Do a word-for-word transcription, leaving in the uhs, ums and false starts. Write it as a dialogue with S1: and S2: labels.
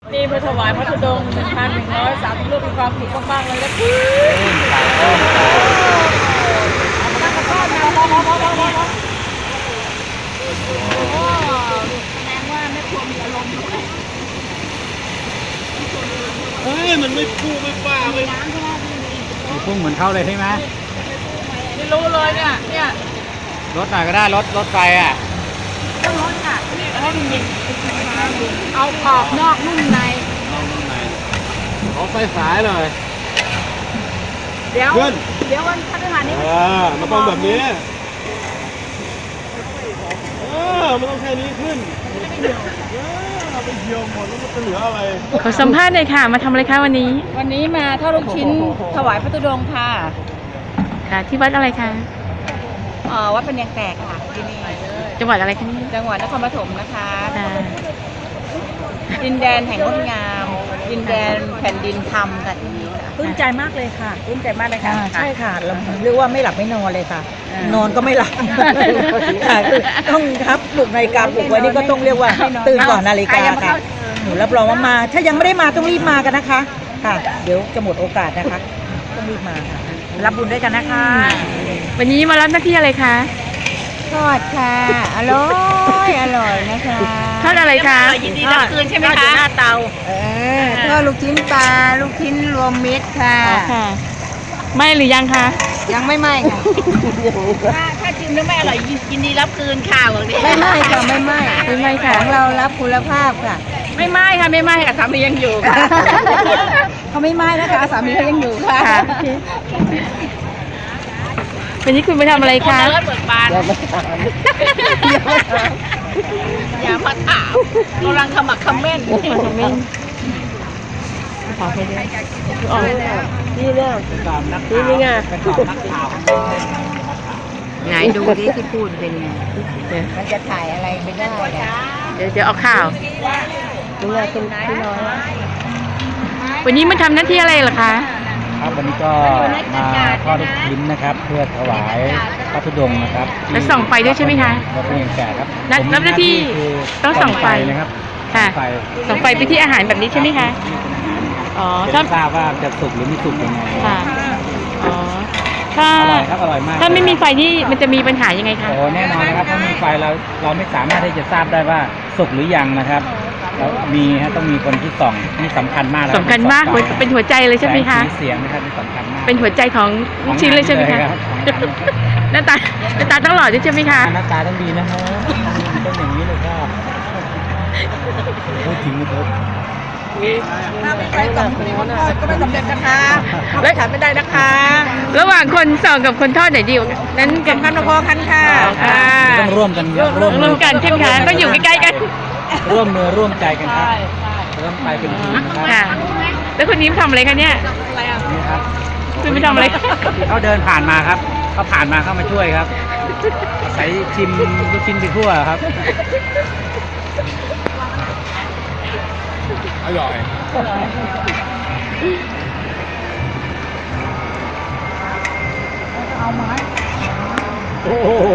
S1: นี่เพื่อถวายพระธุดงค์หนึ่งพันหนึ่งร้อยสามสิบรูปมีความสุขมากๆเลยนะพี่
S2: เฮ้ยมันไม่พูไม่ป้าไม่
S3: มีพุ่งเหมือนเขาเลยใช่ไหม
S1: ไม่รู้เลยเนี่ยเนี่ย
S3: รถหน่อยก็ได้รถรถไฟอ่ะ
S1: ต้องรถค่ะให้มันยิงเอาขอบนอกนุ่มใน
S2: เอาตรงไหนขอไฟสายเลย
S1: เดี๋ยวเดี๋ยววันพฤหัสนี้
S2: เออมันต้องแบบนี้เออมันต้องแค่นี้ขึ้นเออไปเหี่ยวหมดแล้วมันจะเหลืออะไร
S4: ขอสัมภาษณ์หน่อยค่ะมาทำอะไรคะวันนี้
S1: วันนี้มาทอดลูกชิ้นถวายพระธุดงค์ค่ะ
S4: ค่ะที่วัดอะไรคะ
S1: อ๋อวัดเป็นยังแตกค่ะที่นี่
S4: จังหวัดอะไรคะนี่
S1: จังหวัดนครปฐมนะคะ
S4: ค่ะ
S1: ดินแดนแห่งงดงามดินแดนแผ่นดินธรรมค่ะที่นี่
S5: ปลื้มใจมากเลยค่ะ
S1: ปลื้มใจมากเลยค่ะ
S5: ใช่ค่ะเราเรียกว่าไม่หลับไม่นอนเลยค่ะนอนก็ไม่หลับค่ะคือต้องครับปลุกนาฬิกาปลุกไว้นี่ก็ต้องเรียกว่าตื่นก่อนนาฬิกาค่ะหนูรับรองว่ามาถ้ายังไม่ได้มาต้องรีบมากันนะคะค่ะเดี๋ยวจะหมดโอกาสนะคะต้องรีบมาค่ะรับบุญด้วยกันนะคะ
S4: วันนี้มารับหน้าที่อะไรคะ
S5: ทอดค่ะอร่อยอร่อยนะคะ
S4: ทอดอะไรคะ
S1: ยินดีรับคืนใช่ไหมคะหน้าเตา
S5: เออทอดลูกชิ้นปลาลูกชิ้นรวมมิตรค่ะ
S4: ค่ะไม่หรือยังคะ
S5: ยังไม่ไหม้ค่ะ
S1: ถ้าถ้าชิมแล้วไม่อร่อยยินดีรับคืนค่ะบอกดิ
S5: ไม่ไหม้ค่ะไม่ไหม้
S4: ไม่ไหม้ค่ะ
S5: ของเรารับคุณภาพค่ะ
S1: ไม่ไหม้ค่ะไม่ไหม้ค่ะสามียังอยู่ค่ะ
S5: เขาไม่ไหม้นะคะสามีเขายังอยู่ค่ะ
S4: วันนี้คุณไปทำอะไรคะ
S1: เลิศเบิกบานอย่ามาถามกำลังขมักขม้น
S4: ขม้นขอให้ด้วยอ๋อนี่แล้วนี่นี่ไง
S5: ไหนดูดิที่พูดเป็นไงมันจะถ่ายอะไรไม่ได้
S4: เดี๋ยวเดี๋ยวเอาข่าว
S5: ดูว่าเป็นพี่น้อย
S4: วันนี้มาทำหน้าที่อะไรเหรอคะ
S3: ครับวันนี้ก็มาทอดลูกชิ้นนะครับเพื่อถวายพระธุดงค์นะครับ
S4: แล้วส่องไฟด้วยใช่ไหมคะ
S3: วัดเพียงแก่ครับ
S4: รับหน้าที่ต้องส่องไฟ
S3: นะครับ
S4: ค่ะส่องไฟไปที่อาหารแบบนี้ใช่ไหมคะอ๋อ
S3: ถ้าทราบว่าจะสุกหรือไม่สุกยังไง
S4: ค่ะอ๋อถ้า
S3: อร่อยครับอร่อยมาก
S4: ถ้าไม่มีไฟนี่มันจะมีปัญหายังไงคะ
S3: โอ้แน่นอนนะครับถ้ามีไฟเราเราไม่สามารถที่จะทราบได้ว่าสุกหรือยังนะครับแล้วมีฮะต้องมีคนที่ส่องนี่สำคัญมาก
S4: สำคัญมากเป็นหัวใจเลยใช่ไหมคะ
S3: เสียงนะครับสำคัญมาก
S4: เป็นหัวใจของชิ้นเลยใช่ไหมคะหน้าตาหน้าตาต้องหล่อด้วยใช่ไหมคะ
S3: หน้าตาต้องดีนะฮะต้องอย่างนี้เลยค่ะพูดถึงไม่ถูก
S1: ถ้าไม่ไปกับคนทอดก็ไม่สำเร็จนะคะและขายไม่ได้นะคะ
S4: ระหว่างคนส่องกับคนทอดไหนดีนั้น
S1: กันกันพอกันค่ะ
S3: ต้องร่วมกัน
S4: ร่วมร่วมกันใช่ไหมคะต้องอยู่ใกล้ๆกัน
S3: ร่วมมือร่วมใจกันครับเริ่มไปเป็นทีม
S4: ค่ะแล้วคนนี้ทำอะไรคะเนี่ย
S3: นี่ครับ
S4: คุณไม่ทำอะไร
S3: เขาเดินผ่านมาครับเขาผ่านมาเข้ามาช่วยครับใส่ชิมลูกชิ้นไปทั่วครับ
S2: อร่อย
S5: เอาไม้
S2: โอ้โห